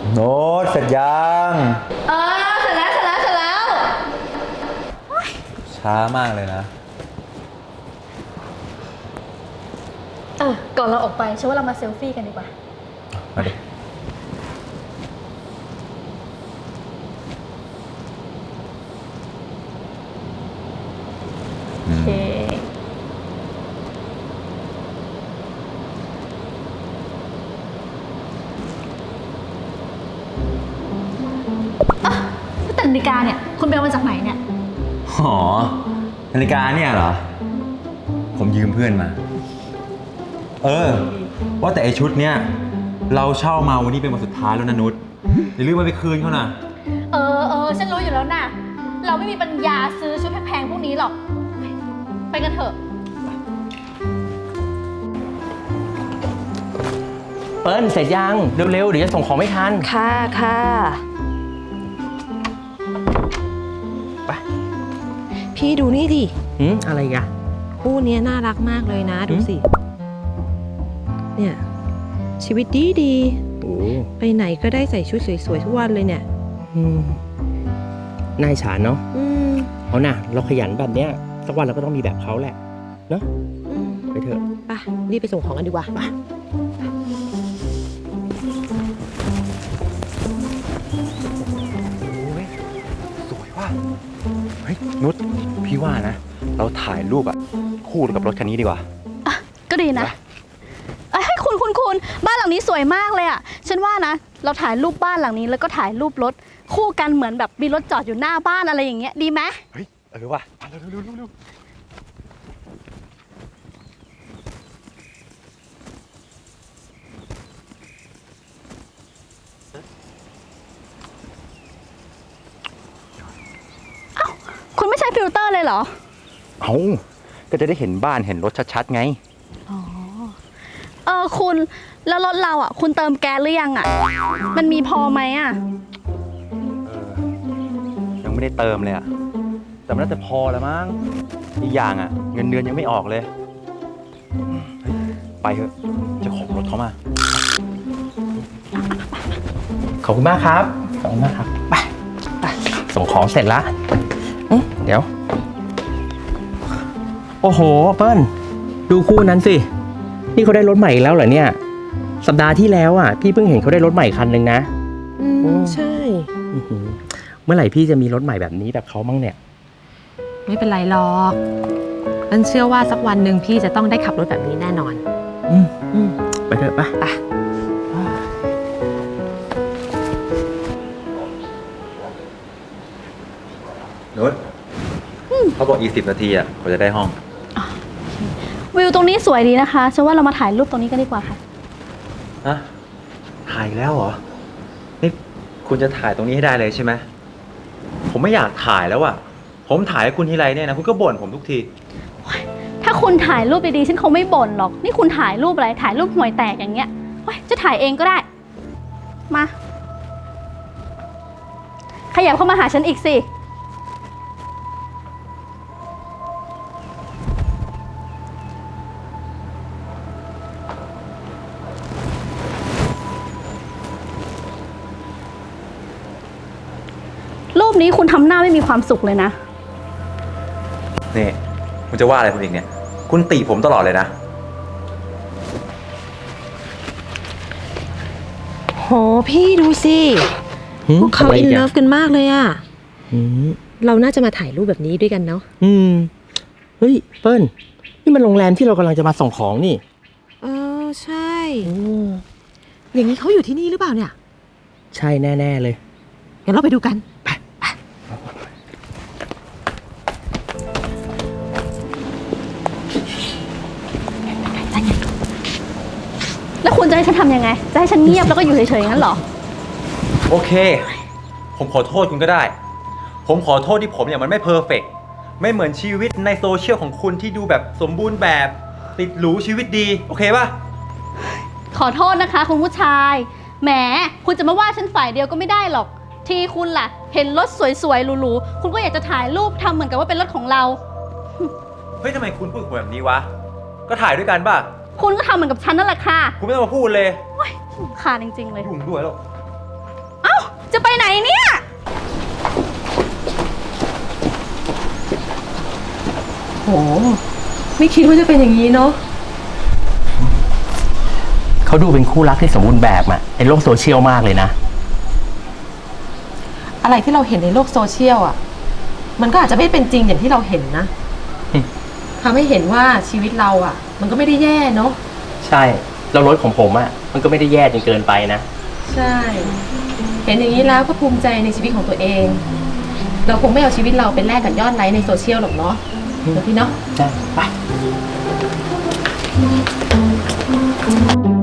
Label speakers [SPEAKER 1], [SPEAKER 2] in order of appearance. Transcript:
[SPEAKER 1] โน้ตเสร็จยัง
[SPEAKER 2] เสร็จแล้ว
[SPEAKER 1] ช้ามากเลยนะ
[SPEAKER 2] ก่อนเราออกไปฉันว่าเรามาเซลฟี่กันดีกว่า
[SPEAKER 1] มาดิ
[SPEAKER 2] โอเคแต่นาฬิกาเนี่ยคุณไปเอามาจากไหนเนี่ย
[SPEAKER 1] อ๋อนาฬิกาเนี่ยเหรอผมยืมเพื่อนมาว่าแต่ไอชุดเนี้ยเราเช่ามาวันนี้เป็นวันสุดท้ายแล้วนะนุชอย่าลืมไปคืนเขานะ
[SPEAKER 2] ฉันรู้อยู่แล้วนะเราไม่มีปัญญาซื้อชุดแพงๆพวกนี้หรอกไปกันเถอะ
[SPEAKER 3] เปิ้ลเสร็จยังเร็วๆเดี๋ยวจะส่งของไม่ทัน
[SPEAKER 4] ค่ะ
[SPEAKER 3] ไป
[SPEAKER 4] พี่ดูนี่ดิ
[SPEAKER 3] อะไรกัน
[SPEAKER 4] คู่นี้น่ารักมากเลยนะดูสิเนี่ยชีวิตดีไปไหนก็ได้ใส่ชุดสวยๆทุกวันเลยเนี่ย
[SPEAKER 3] นายฉานเนาะเอาน่ะเราขยันแบบเนี้ยสักวันเราก็ต้องมีแบบเขาแหละเนาะไปเถอะ
[SPEAKER 4] ไปรีบไปส่งของกันดีกว่า
[SPEAKER 1] สวยว่ะเฮ้ยนุชพี่ว่านะเราถ่ายรูปคู่กับรถคันนี้ดีกว่า
[SPEAKER 2] ก็ดีนะให้คุณบ้านหลังนี้สวยมากเลยอ่ะฉันว่านะเราถ่ายรูปบ้านหลังนี้แล้วก็ถ่ายรูปรถคู่กันเหมือนแบบมีรถจอดอยู่หน้าบ้านอะไรอย่างเงี้ยดีไหม
[SPEAKER 1] เฮ้ยว่ะเร็ว
[SPEAKER 2] คุณไม่ใช้ฟิลเตอร์เลยเหรอ
[SPEAKER 1] ก็จะได้เห็นบ้านเห็นรถชัดๆไง
[SPEAKER 2] คุณแล้วรถเราอ่ะคุณเติมแก๊สหรือยังอ่ะมันมีพอไหมอ่ะ
[SPEAKER 1] ยังไม่ได้เติมเลยแต่มันน่าจะพอแล้วมั้งอีกอย่างเงินเดือนยังไม่ออกเลยไปเถอะจะขอรถเขามา
[SPEAKER 3] ขอบคุณมากครับไปส่งของเสร็จละเดี๋ยวโอ้โหเปิ้ลดูคู่นั้นสินี่เขาได้รถใหม่อีกแล้วเหรอเนี่ยสัปดาห์ที่แล้วพี่เพิ่งเห็นเขาได้รถใหม่คันหนึ่งนะ
[SPEAKER 4] ใช่
[SPEAKER 3] เมื่อไหร่พี่จะมีรถใหม่แบบนี้แบบเขาบ้างเนี่ย
[SPEAKER 4] ไม่เป็นไรหรอกฉันเชื่อว่าสักวันหนึ่งพี่จะต้องได้ขับรถแบบนี้แน่นอน
[SPEAKER 3] ไปเถอะไป
[SPEAKER 1] นุชเขาบอกอีก10 นาทีเขาจะได้ห้อง
[SPEAKER 2] วิวตรงนี้สวยดีนะคะฉันว่าเรามาถ่ายรูปตรงนี้กันดีกว่าค่ะ
[SPEAKER 1] ถ่ายแล้วเหรอนี่คุณจะถ่ายตรงนี้ให้ได้เลยใช่ไหมผมไม่อยากถ่ายแล้วผมถ่ายให้คุณทีไรเนี่ยนะคุณก็บ่นผมทุกที
[SPEAKER 2] ถ้าคุณถ่ายรูปดีๆฉันคงไม่บ่นหรอกนี่คุณถ่ายรูปอะไรถ่ายรูปห่วยแตกอย่างเงี้ยจะถ่ายเองก็ได้มาขยับเข้ามาหาฉันอีกสิรูปนี้คุณทำหน้าไม่มีความสุขเลยนะ
[SPEAKER 1] นี่คุณจะว่าอะไรคุณอีกเนี่ยคุณติผมตลอดเลยนะ
[SPEAKER 4] โหพี่ดูสิพวกเขาอินเลิฟกันมากเลยเราน่าจะมาถ่ายรูปแบบนี้ด้วยกันเนาะ
[SPEAKER 3] เฮ้ยเปิ้ลนี่มันโรงแรมที่เรากำลังจะมาส่งของนี่
[SPEAKER 4] ใช่อย่างนี้เขาอยู่ที่นี่หรือเปล่าเนี่ย
[SPEAKER 3] ใช่แน่ๆเลย
[SPEAKER 4] งั้นเราไปดูกัน
[SPEAKER 2] แล้วคุณจะให้ฉันทำยังไงจะให้ฉันเงียบแล้วก็อยู่เฉยๆงั้นเหรอ
[SPEAKER 1] โอเคผมขอโทษคุณก็ได้ผมขอโทษที่ผมมันไม่เพอร์เฟกต์ไม่เหมือนชีวิตในโซเชียลของคุณที่ดูแบบสมบูรณ์แบบติดหรูชีวิตดีโอเคป่ะ
[SPEAKER 2] ขอโทษนะคะคุณผู้ชายแหมคุณจะมาว่าฉันฝ่ายเดียวก็ไม่ได้หรอกที่คุณล่ะเห็นรถสวยๆหรูๆคุณก็อยากจะถ่ายรูปทำเหมือนกับว่าเป็นรถของเรา
[SPEAKER 1] เฮ้ยทำไมคุณพูดแบบนี้วะก็ถ่ายด้วยกันป่ะ
[SPEAKER 2] คุณก็ทำเหมือนกับฉันนั่นแหละค่ะ
[SPEAKER 1] คุณไม่ต้องมาพูดเลย
[SPEAKER 2] ขาดจริงๆเลย
[SPEAKER 1] ยุ่งด้วยแล้ว
[SPEAKER 2] จะไปไหนเนี่ย
[SPEAKER 4] โห ไม่คิดว่าจะเป็นอย่างนี้เนาะ
[SPEAKER 3] เขาดูเป็นคู่รักที่สมบูรณ์แบบอะในโลกโซเชียลมากเลยนะ
[SPEAKER 4] อะไรที่เราเห็นในโลกโซเชียลอ่ะ มันก็อาจจะไม่เป็นจริงอย่างที่เราเห็นนะ
[SPEAKER 3] อืม
[SPEAKER 4] ทำให้เห็นว่าชีวิตเราอ่ะ มันก็ไม่ได้แย่เนาะ
[SPEAKER 3] ใช่แล้วรถของผมอะมันก็ไม่ได้แย่จนเกินไปนะ
[SPEAKER 4] ใช่ เห็นอย่างนี้แล้วก็ภูมิใจในชีวิตของตัวเอง เราคงไม่เอาชีวิตเราเป็นแลกกับยอดไลค์ในโซเชียลหรอกเนาะเดี๋ยวพี่เนาะ
[SPEAKER 3] ใช่ ไป